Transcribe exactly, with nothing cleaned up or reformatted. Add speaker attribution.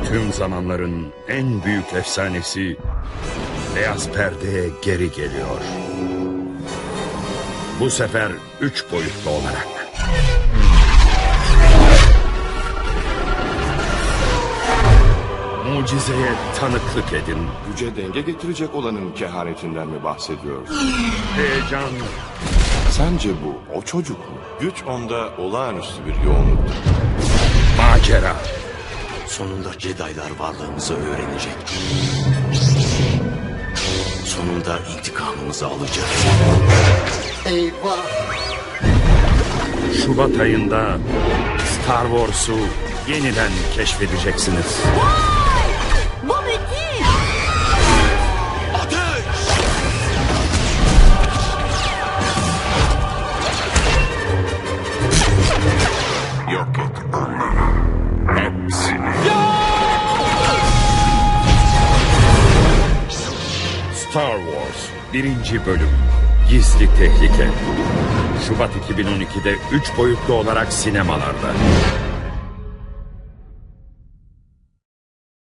Speaker 1: Tüm zamanların en büyük efsanesi beyaz perdeye geri geliyor. Bu sefer üç boyutlu olarak. Mucizeye tanıklık edin.
Speaker 2: Güce denge getirecek olanın kehanetinden mi bahsediyorsun?
Speaker 1: Heyecan,
Speaker 2: Sence bu o çocuk mu? Güç onda olağanüstü bir yoğunluktur.
Speaker 1: macera,
Speaker 3: Sonunda Jedi'lar varlığımızı öğrenecek. Sonunda intikamımızı alacağız.
Speaker 4: Eyvah!
Speaker 1: Şubat ayında Star Wars'u yeniden keşfedeceksiniz.
Speaker 5: Bu müthiş.
Speaker 2: Yok et onları. Hepsini.
Speaker 1: Star Wars birinci bölüm Gizli Tehlike. Şubat iki bin on ikide üç boyutlu olarak sinemalarda.